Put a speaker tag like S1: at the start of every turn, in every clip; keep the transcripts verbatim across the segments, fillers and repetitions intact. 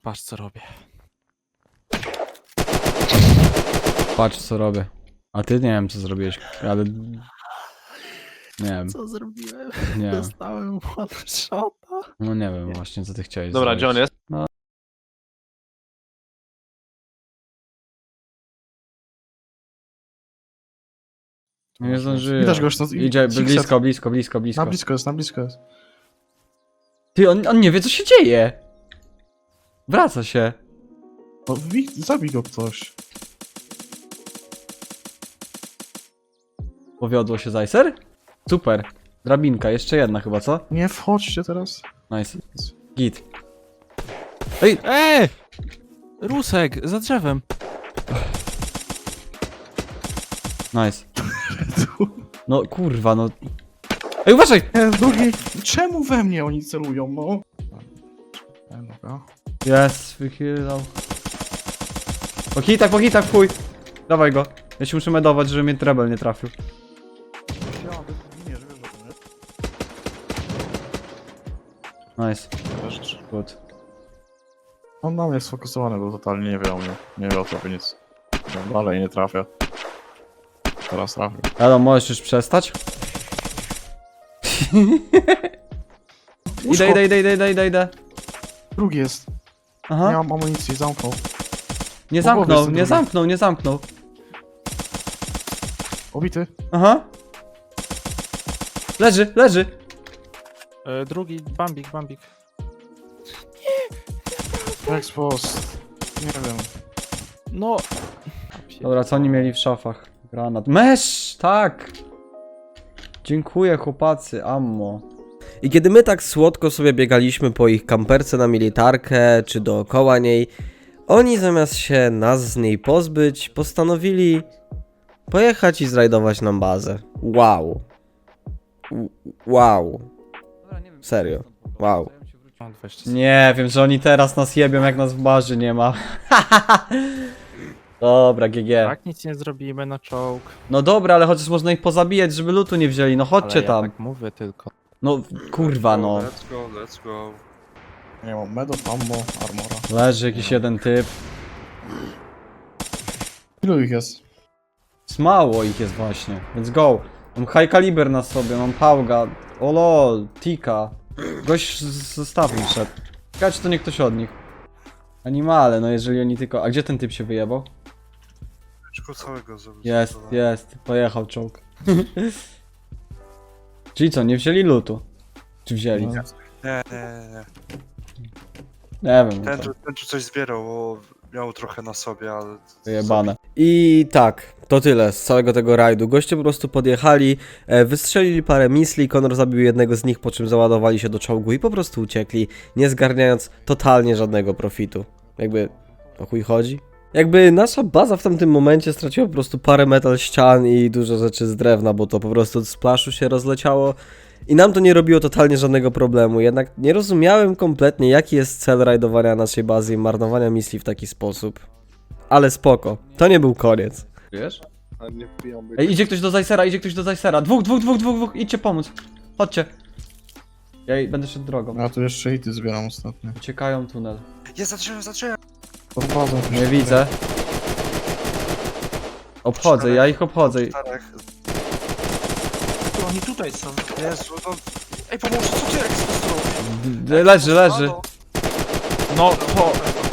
S1: Patrz co robię.
S2: Patrz co robię. A ty nie wiem co zrobiłeś, ale... Nie wiem,
S3: Co zrobiłem?
S2: nie wiem.
S3: Dostałem one shota.
S2: No nie wiem właśnie co ty chciałeś
S1: Dobra,
S2: zrobić.
S1: gdzie on jest?
S2: Nie zdążyłem.
S3: Widać go już, no,
S2: Idzie
S3: Sixet.
S2: blisko, blisko, blisko, blisko.
S3: Na blisko jest, na blisko jest.
S2: Ty, on, on nie wie co się dzieje. Wraca się.
S3: No, wi- zabij go ktoś.
S2: Powiodło się Zajser? Super. Drabinka, jeszcze jedna chyba, co?
S3: Nie wchodźcie teraz.
S2: Nice. Git. Ej!
S1: Eee! Rusek, za drzewem.
S2: Nice. No kurwa, no... Ej, uważaj!
S3: Nie, drugi. Czemu we mnie oni celują, no? E, dobra.
S2: Jest, wychylał. Po hitach, po hitach, chuj. Dawaj go. Ja się muszę medować, żeby mnie trebel nie trafił.
S3: Nie, że wiesz, że
S2: Nice.
S3: to nie.
S2: Good.
S3: On na mnie sfokusowany był totalnie, nie wie o mnie. Nie wie o tobie nic. No, dalej nie trafia. Teraz trafił.
S2: Elo, możesz już przestać? Idę, idę, idę, idę, idę, idę.
S3: Drugi jest. Nie
S2: Aha.
S3: mam amunicji, zamknął.
S2: Nie
S3: po głowie
S2: zamknął,
S3: jest ten
S2: nie
S3: drugi.
S2: zamknął, nie zamknął.
S3: Obity.
S2: Aha. Leży, leży.
S1: E, drugi, bambik, bambik.
S3: Expost. Nie wiem.
S1: No.
S2: Dobra, co oni mieli w szafach? Granat. Mesz! Tak! Dziękuję chłopacy, ammo.
S4: I kiedy my tak słodko sobie biegaliśmy po ich kamperce na militarkę, czy dookoła niej, oni zamiast się nas z niej pozbyć, postanowili pojechać i zrajdować nam bazę. Wow. W- Wow. Serio. Wow.
S1: Mam dwadzieścia sekund.
S2: Nie wiem, że oni teraz nas jebią, jak nas w barzy nie ma. Dobra, G G.
S1: Tak, nic nie zrobimy na czołg.
S2: No dobra, ale chociaż można ich pozabijać, żeby lutu nie wzięli. No chodźcie
S1: Ale
S2: tam.
S1: ja tak mówię tylko.
S2: No kurwa no.
S5: Let's go, let's go.
S3: Nie mam medów, ammo, armora.
S2: Leży jakiś jeden typ.
S3: Ilu ich jest?
S2: Mało ich jest właśnie, więc go. Mam high caliber na sobie, mam pałga. O lol, tika. Gość z zestawu szedł. Ciekawe, czy to nie ktoś od nich. Animale, no jeżeli oni tylko... A gdzie ten typ się wyjebał?
S5: Tylko całego zrobić.
S2: Jest, jest. Pojechał czołg. Czyli co, nie wzięli lutu? Czy wzięli?
S3: No.
S5: Nie, nie, nie.
S2: Nie wiem,
S5: Ten,
S2: no to
S5: tu- ten tu coś zbierał, bo miał trochę na sobie, ale...
S2: wyjebane.
S4: I tak, to tyle z całego tego rajdu. Goście po prostu podjechali, e, wystrzelili parę misli, Konor zabił jednego z nich, po czym załadowali się do czołgu i po prostu uciekli, nie zgarniając totalnie żadnego profitu. Jakby, o chuj chodzi? Jakby nasza baza w tamtym momencie straciła po prostu parę metal ścian i dużo rzeczy z drewna, bo to po prostu od splaszu się rozleciało. I nam to nie robiło totalnie żadnego problemu, jednak nie rozumiałem kompletnie, jaki jest cel rajdowania naszej bazy i marnowania misli w taki sposób. Ale spoko, to nie był koniec.
S2: Wiesz?
S5: Ale nie wbijam.
S2: Ej, idzie ktoś do Zajsera, idzie ktoś do Zajsera. Dwóch, dwóch, dwóch, dwóch, dwóch, idźcie pomóc. Chodźcie. Ja jej będę szedł drogą.
S3: Ja tu jeszcze hity zbieram ostatnio.
S2: Uciekają tunel.
S5: Jest za drzewem, za drzewem!
S3: Podchodzę.
S2: Nie widzę. Obchodzę, ja ich obchodzę.
S5: Czterech.
S6: To oni tutaj są.
S5: Jezu, no... Ej, pomóż, co ty Expost robi?
S2: D- Leży, leży.
S5: Halo?
S1: No to.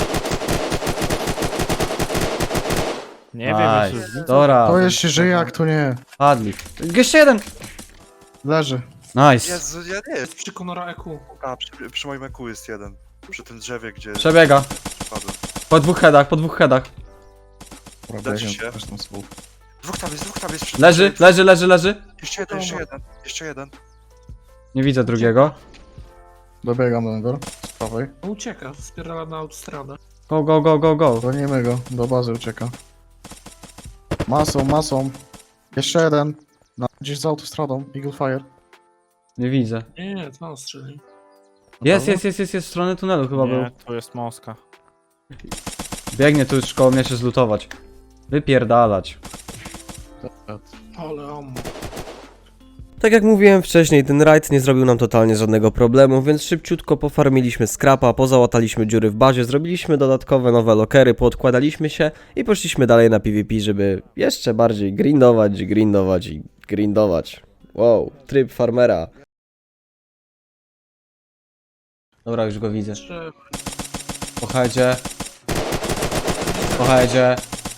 S1: Nie wiem,
S2: Nice.
S1: jeszcze widzę.
S2: Dobra.
S3: To jeszcze żyje, jak to nie.
S2: Padli. Jeszcze jeden.
S3: Leży.
S2: Nice.
S5: Jezu, ja nie jest.
S6: Przy Conora E Q.
S5: A, przy, przy moim eku jest jeden. Przy tym drzewie, gdzie...
S2: Przebiega.
S5: Padłem.
S2: Po dwóch headach, po dwóch headach.
S3: Dobra,
S5: Leczy
S3: biegiem
S5: się.
S3: też tam słów.
S5: Dwóch tam jest, dwóch tam jest. Przy
S2: Leży, leży, leży, leży.
S5: Jeszcze jeden, jeszcze jeden, jeszcze jeden.
S2: Nie widzę drugiego.
S3: Dobiegam do niego. Z prawej.
S6: Ucieka, spierdala na autostradę.
S2: Go, go, go, go, go.
S3: Gonimy go. Do bazy ucieka. Masą, masą. Jeszcze jeden. Na, gdzieś za autostradą. Eagle Fire.
S2: Nie widzę.
S6: Nie, nie, to on strzeli.
S2: Jest, jest, jest, jest, jest w stronę tunelu chyba był.
S1: Nie, to jest Moska.
S2: Biegnie tu już koło mnie się zlutować. Wypierdalać.
S6: Ale ammo.
S4: Tak jak mówiłem wcześniej, ten rajd nie zrobił nam totalnie żadnego problemu, więc szybciutko pofarmiliśmy skrapa, pozałataliśmy dziury w bazie, zrobiliśmy dodatkowe nowe lokery, poodkładaliśmy się i poszliśmy dalej na PvP, żeby jeszcze bardziej grindować, grindować i grindować. Wow, tryb farmera.
S2: Dobra, już go widzę.
S6: Że
S2: Po headzie. Po headzie.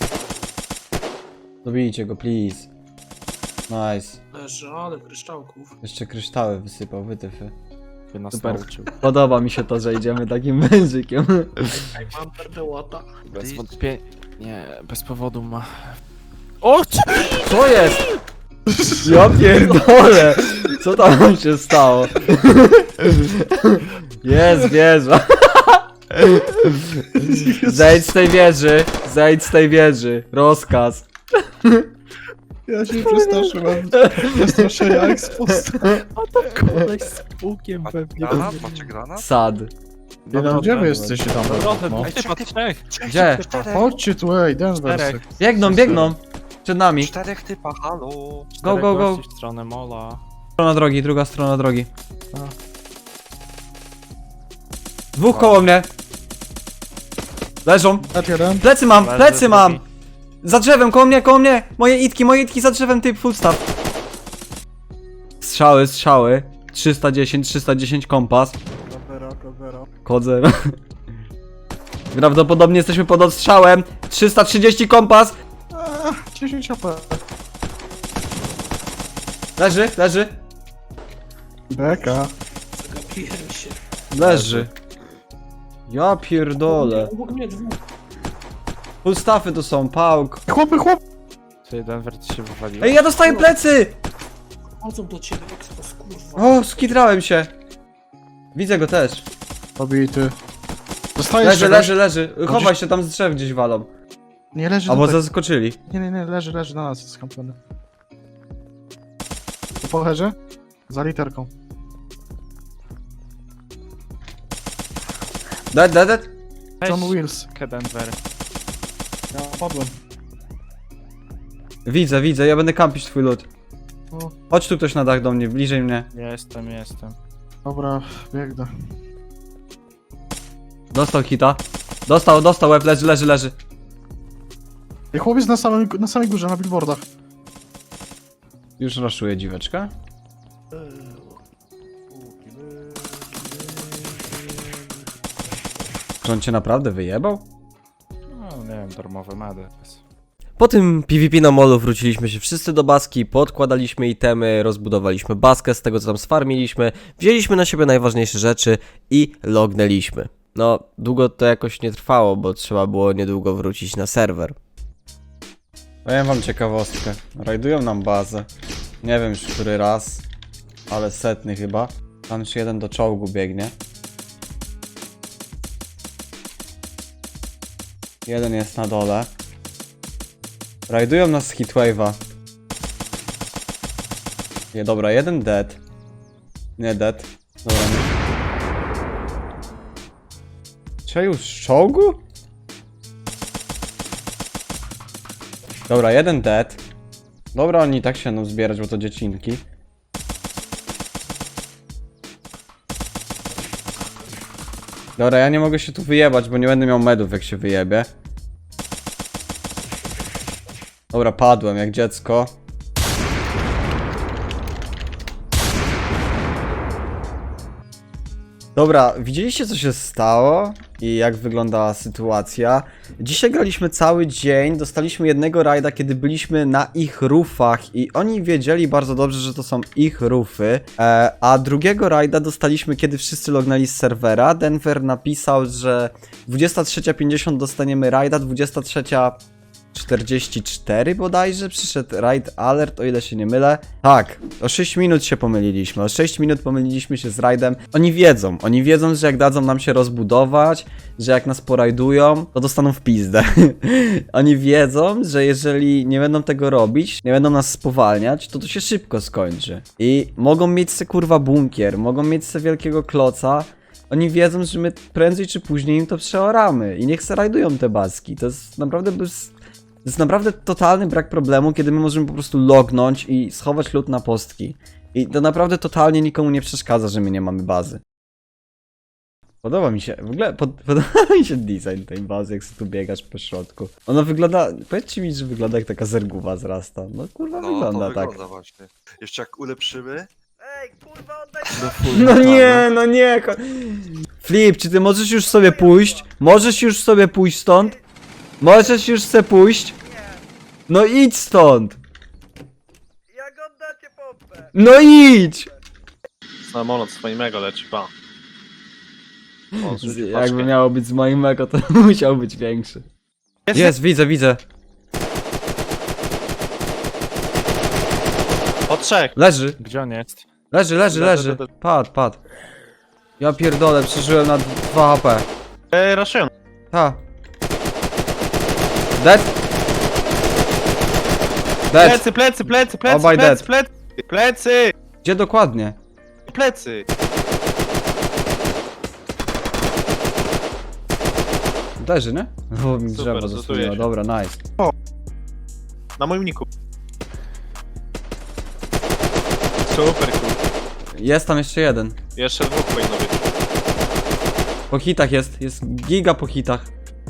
S2: Dobijcie go, please. Nice.
S6: leży, ale kryształków.
S2: Jeszcze kryształy wysypał, wytyfy.
S1: By nas
S2: Super.
S1: nauczył.
S2: Podoba mi się to, że idziemy takim wężykiem.
S6: Ej, mam perdełota.
S1: Bez wątpienia. Nie, bez powodu ma. O!
S2: Co jest? Ja pierdolę! Co tam się stało? Jest wieża. Zejdź z tej wieży. Zejdź z tej wieży. Rozkaz.
S3: Ja się przestraszyłem. Przestraszenia ekspost.
S1: Koleś z pukiem pewnie.
S5: Granat? Macie granat?
S2: Sad.
S3: Nie no, gdzie wy jesteście tam?
S1: Trochę,
S3: No.
S1: no. Typa trzech.
S2: Gdzie?
S3: Chodźcie tu, ej, Denver.
S1: Czterech.
S2: Biegną, biegną. Przed nami.
S5: Czterech typa, halo.
S2: Go, go, go.
S1: W stronę mola.
S2: Strona drogi, druga strona drogi. Dwóch koło mnie. Leżą.
S3: Ed jeden.
S2: Plecy mam,
S1: Leży
S2: plecy mam.
S1: drugi.
S2: Za drzewem, koło mnie, koło mnie. Moje itki, moje itki za drzewem, typ full staff. Strzały, strzały. trzysta dziesięć, trzysta dziesięć kompas. Kod zero. Prawdopodobnie jesteśmy pod odstrzałem. trzysta trzydzieści kompas.
S3: dziesięć A P.
S2: Leży, leży.
S3: Beka.
S6: Zagapiłem się.
S2: Leży. Ja pierdolę.
S6: Obok mnie dwóch.
S2: Full staffy to są, pałk.
S3: Chłopy, chłop!
S1: Ty Denver ci się wywalił.
S2: Ej, ja dostaję plecy!
S6: Chodzą do ciebie, ekspos, kurwa.
S2: O, skitrałem się. Widzę go też.
S3: Pobity. Dostajesz
S2: Leży,
S3: czegoś?
S2: leży, leży. Chowaj się, tam z drzew gdzieś walą.
S3: Nie, leży
S2: Albo
S3: tutaj.
S2: zaskoczyli.
S3: Nie, nie, nie, leży, leży na nas, jest skampiony. Po pocherze? Za literką.
S2: Dead, dead, dead.
S3: John Wills.
S1: Denver.
S3: Ja padłem.
S2: Widzę, widzę, ja będę kampić twój lód.
S3: O,
S2: Chodź tu ktoś na dach do mnie, bliżej mnie.
S1: Jestem, jestem.
S3: dobra, biegnę.
S2: Dostał hita. Dostał, dostał, łeb, leży, leży, leży.
S3: I chłopiec na samym, na samej górze, na billboardach.
S2: Już raszuje dziweczka. Czy on cię naprawdę wyjebał?
S1: No, nie wiem, darmowe medy.
S4: Po tym PvP na molu wróciliśmy się wszyscy do baski, podkładaliśmy itemy, rozbudowaliśmy baskę z tego co tam sfarmiliśmy, wzięliśmy na siebie najważniejsze rzeczy i lognęliśmy. No, długo to jakoś nie trwało, bo trzeba było niedługo wrócić na serwer.
S2: Powiem wam ciekawostkę. Rajdują nam bazę. Nie wiem już który raz, ale setny chyba. Tam już jeden do czołgu biegnie. Jeden jest na dole. Rajdują nas z Heatwave'a. Nie, dobra, jeden dead. Nie dead. Dobra, nie. Czy już z czołgu? Dobra, jeden dead. Dobra, oni i tak się będą zbierać, bo to dziecinki. Dobra, ja nie mogę się tu wyjebać, bo nie będę miał medów jak się wyjebie. Dobra, padłem jak dziecko. Dobra, widzieliście co się stało i jak wyglądała sytuacja? Dzisiaj graliśmy cały dzień, dostaliśmy jednego rajda, kiedy byliśmy na ich roofach i oni wiedzieli bardzo dobrze, że to są ich roofy, e, a drugiego rajda dostaliśmy, kiedy wszyscy lognęli z serwera. Denver napisał, że dwudziesta trzecia pięćdziesiąt dostaniemy rajda, dwudziesta trzecia czterdzieści cztery bodajże przyszedł raid alert, o ile się nie mylę. Tak, o sześć minut się pomyliliśmy, o sześć minut pomyliliśmy się z raidem. Oni wiedzą, oni wiedzą, że jak dadzą nam się rozbudować, że jak nas porajdują, to dostaną w pizdę. Oni wiedzą, że jeżeli nie będą tego robić, nie będą nas spowalniać, to to się szybko skończy. I mogą mieć se kurwa bunkier, mogą mieć se wielkiego kloca. Oni wiedzą, że my prędzej czy później im to przeoramy i niech se rajdują te baski. To jest naprawdę bez... To jest naprawdę totalny brak problemu, kiedy my możemy po prostu lognąć i schować lód na postki. I to naprawdę totalnie nikomu nie przeszkadza, że my nie mamy bazy. Podoba mi się, w ogóle pod, podoba mi się design tej bazy, jak sobie tu biegasz po środku. Ona wygląda, powiedzcie mi, że wygląda jak taka zerguwa z Rasta. No kurwa
S7: No,
S2: wygląda
S7: to
S2: tak.
S7: wygląda właśnie. Jeszcze jak ulepszymy. Ej, kurwa, oddaj
S1: Do full
S2: No
S1: metala.
S2: nie, no nie. ko- Flip, czy ty możesz już sobie pójść? Możesz już sobie pójść stąd? Możesz już sobie pójść? No idź stąd!
S7: Jak oddacie pompę?
S2: No idź!
S3: Samolot swoimego leci, pa. O,
S2: Z- Jakby miało być z moim mego, to musiał być większy. Jest, widzę, widzę.
S3: O trzech!
S2: Leży,
S1: Gdzie on jest?
S2: leży, leży,
S3: Le-
S2: leży.
S3: le- le-
S2: Padł, padł. Ja pierdolę, przeżyłem na dwa H P.
S3: Eee, raszują.
S2: Ta. Dead? Dead.
S3: Plecy, plecy, plecy, plecy,
S2: Obaj
S3: plecy,
S2: dead.
S3: plecy, plecy,
S2: Gdzie dokładnie?
S3: plecy.
S2: Leży, nie? O, mi
S3: Super,
S2: drzewo
S3: zlutuję
S2: zasłoniło,
S3: się.
S2: dobra, nice.
S3: Na moim niku. Super, cool.
S2: Jest tam jeszcze jeden.
S3: Jeszcze dwóch powinno być.
S2: Po hitach jest, jest giga po hitach.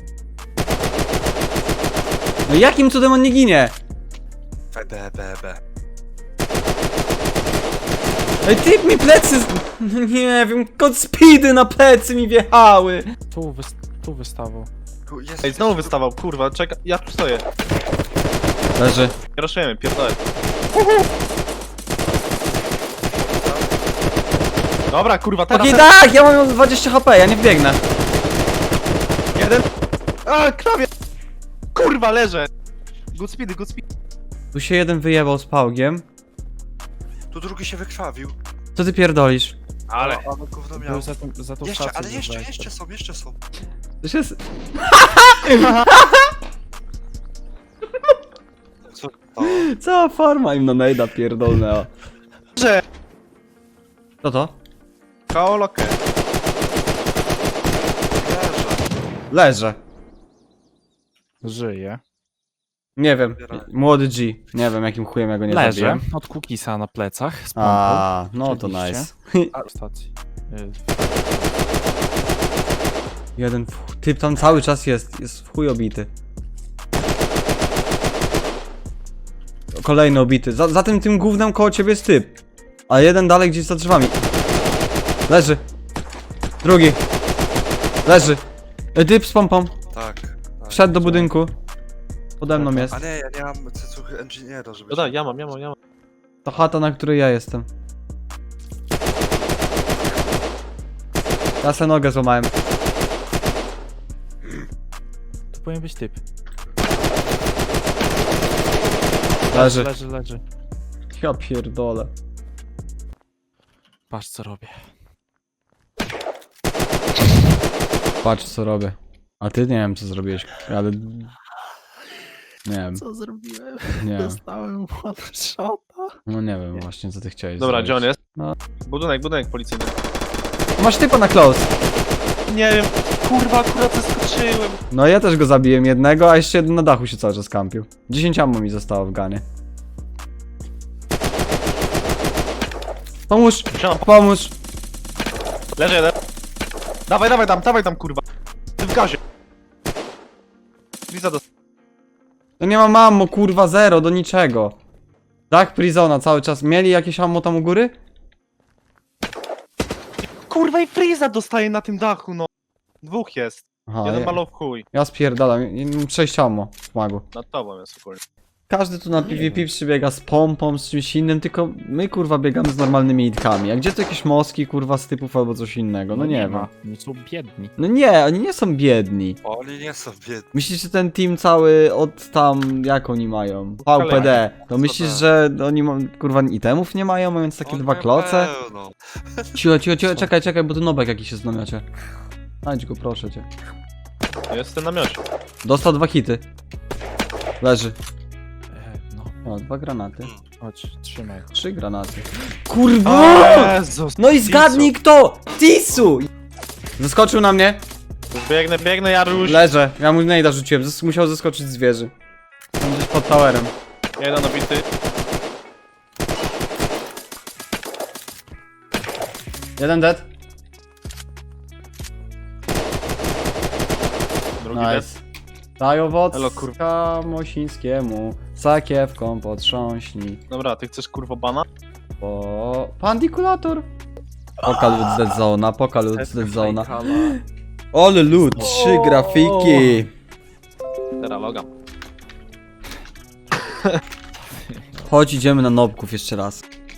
S2: No jakim cudem on nie ginie?
S7: B, B, B, B.
S2: Ej, typ mi plecy z... No nie wiem, kod speedy na plecy mi wjechały.
S1: Tu, wys tu wystawał.
S7: Ku- Jest,
S3: Ej, znowu
S7: jest-
S3: wystawał, kurwa, czekaj, ja tu stoję.
S2: Leży.
S3: Raszujemy, pierdolę. Dobra, kurwa, teraz
S2: Okej, tak, ja mam dwadzieścia H P, ja nie wbiegnę.
S3: jeden. A, krawie! Kurwa, leżę! Good speedy, good speed.
S2: Tu się jeden wyjebał z pałgiem.
S7: Tu drugi się wykrwawił.
S2: Co ty pierdolisz?
S3: Ale.
S7: Ale gówno miał.
S1: Był za, tą- za tą
S7: Jeszcze,
S1: stacją
S7: ale jeszcze,
S1: zabrałeś.
S7: jeszcze są, jeszcze są.
S2: To się...
S7: Co? O,
S2: Cała farma im na nejda pierdolnęła.
S3: Że.
S2: Co to?
S3: Kaolokę.
S7: leży.
S2: Leżę.
S1: Żyje.
S2: Nie wiem,
S7: Zbierałem.
S2: młody G. Nie wiem jakim chujem ja go nie
S1: Leży.
S2: zabiłem.
S1: Od Cookisa na plecach. Z pompą.
S2: A, no to
S1: Oczywiście.
S2: nice.
S1: A, stacji. Y,
S2: Jeden w... typ tam cały czas jest, jest w chuj obity. Kolejny obity. Za, za tym tym gównem koło ciebie jest typ. A jeden dalej gdzieś za drzewami. Leży. Drugi. Leży. E, typ z pompą.
S7: Tak. tak.
S2: Wszedł do budynku. Pode mną jest.
S7: A nie, ja nie mam cycuchy engineera, żeby...
S3: No daj, ja mam, ja mam, ja mam.
S2: To chata, na której ja jestem. Ja se nogę złamałem.
S1: to powinien być typ.
S2: Leży.
S1: Leży, leży.
S2: Ja pierdolę.
S1: Patrz co robię.
S2: Patrz co robię. A ty nie wiem co zrobiłeś, ale... Nie wiem,
S1: Co zrobiłem?
S2: nie wiem.
S1: Dostałem one shota.
S2: No nie wiem właśnie co ty chciałeś
S3: Dobra,
S2: zrobić.
S3: gdzie on jest?
S2: No.
S3: Budynek, budynek policyjny.
S2: Masz typa na close.
S3: Nie wiem, kurwa, akurat zaskoczyłem.
S2: No ja też go zabiłem jednego, a jeszcze jeden na dachu się cały czas kampił. dziesięć ammo mi zostało w ganie. Pomóż!
S3: Siema.
S2: Pomóż!
S3: Leży jeden. Dawaj, dawaj tam, dawaj tam, kurwa. Ty w gazie. Liza do...
S2: No nie mam ammo, kurwa, zero, do niczego. Dach Prizona cały czas. Mieli jakieś ammo tam u góry?
S3: Kurwa i Freeza dostaje na tym dachu, no. Dwóch jest.
S2: Aha,
S3: Jeden
S2: ja,
S3: malo w chuj.
S2: ja spierdalam, ja mam sześć ammo w magu.
S3: Nad tobą jest ogólnie.
S2: Każdy tu na PvP przybiega z pompą, z czymś innym, tylko my kurwa biegamy z normalnymi itkami. A gdzie to jakieś moski kurwa z typów albo coś innego? No nie wiem.
S1: ma. Oni są biedni.
S2: No nie, oni nie są biedni.
S7: Oni nie są biedni.
S2: Myślisz, że ten team cały od tam, jak oni mają? V P D. To myślisz, że oni ma, kurwa itemów nie mają, mając takie
S7: Oni
S2: dwa
S7: mają
S2: kloce?
S7: pełno.
S2: Cicho, cicho, cicho, czekaj, czekaj, bo tu nobek jakiś jest w namiocie. Znajdź go, proszę cię.
S3: Jest w tym namiocie.
S2: Dostał dwa hity. Leży.
S1: E, no,
S2: O, dwa granaty.
S1: chodź, trzymaj.
S2: Trzy granaty. Kurwa!
S3: Jezus.
S2: No i zgadnij kto! Tisu! Zeskoczył na mnie.
S3: Biegnę, biegnę, Jaruś.
S2: Leżę. Ja mu nejda rzuciłem. Zes musiał zeskoczyć z wieży. Tam gdzieś pod towerem.
S3: Jeden obity.
S2: Jeden dead.
S3: Drugi dead.
S2: Nice. Daj
S3: Elo,
S2: owocka Mosińskiemu, sakiewką potrząśnij.
S3: Dobra, ty chcesz kurwo bana?
S2: O, pandikulator. Pokal z dead zona, pokal z dead zona.
S4: Ole lud, trzy grafiki.
S3: Teraz logam.
S2: Chodź, idziemy na nobków jeszcze raz.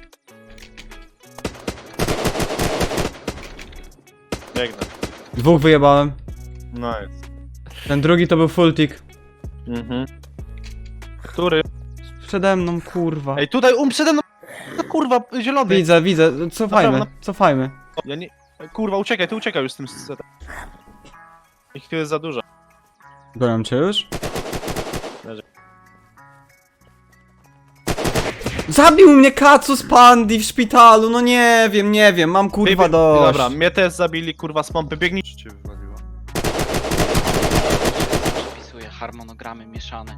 S3: Biegnę.
S2: Dwóch wyjebałem.
S3: Nice.
S2: Ten drugi to był full tick.
S3: Mhm. Który?
S2: Przede mną, kurwa.
S3: Ej, tutaj um przede mną. No kurwa, zielony.
S2: Widzę, widzę, cofajmy,
S3: Dobra,
S2: cofajmy.
S3: Ja nie... Kurwa, uciekaj, ty uciekaj już z tym setem. Ich tu jest za dużo.
S2: Gonią cię już?
S3: Leży.
S2: Zabił mnie Kacu z Pandi w szpitalu, no nie wiem, nie wiem, mam kurwa
S3: Ty-
S2: dość.
S3: Dobra, mnie też zabili, kurwa, z pompy, biegnij.
S7: Cię wywaliło.
S5: Przepisuję harmonogramy mieszane.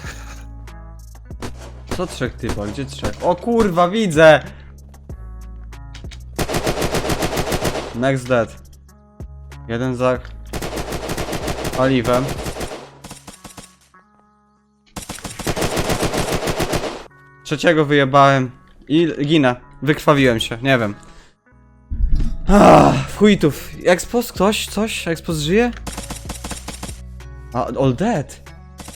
S2: Co trzech typa, gdzie trzech? O kurwa, widzę! Next dead. Jeden za... paliwem. Trzeciego wyjebałem. I ginę. Wykrwawiłem się, nie wiem. Ah, w chujtów. Expos ktoś? Coś? Expos żyje? A, all dead.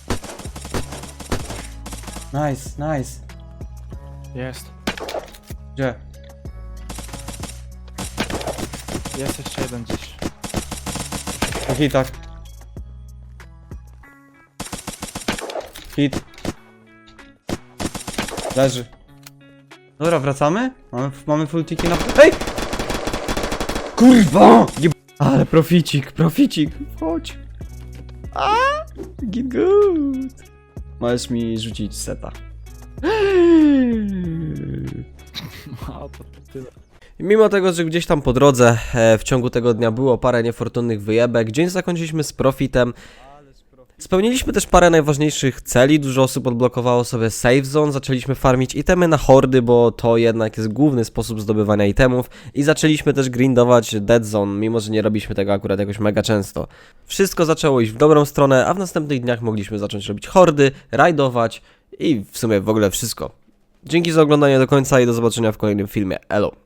S2: Nice, nice.
S1: Jest.
S2: Gdzie?
S1: Jest jeszcze jeden gdzieś.
S2: Na hitach. Hit. Leży. Dobra, wracamy? Mamy, mamy full tiki na... Ej! Kurwa! Jeb... Ale proficik, proficik. Chodź. A, get good. Możesz mi rzucić seta.
S1: A, to tyle.
S4: Mimo tego, że gdzieś tam po drodze e, w ciągu tego dnia było parę niefortunnych wyjebek, dzień zakończyliśmy z profitem. Spełniliśmy też parę najważniejszych celi, dużo osób odblokowało sobie save zone, zaczęliśmy farmić itemy na hordy, bo to jednak jest główny sposób zdobywania itemów i zaczęliśmy też grindować dead zone, mimo że nie robiliśmy tego akurat jakoś mega często. Wszystko zaczęło iść w dobrą stronę, a w następnych dniach mogliśmy zacząć robić hordy, rajdować i w sumie w ogóle wszystko. Dzięki za oglądanie do końca i do zobaczenia w kolejnym filmie. Elo!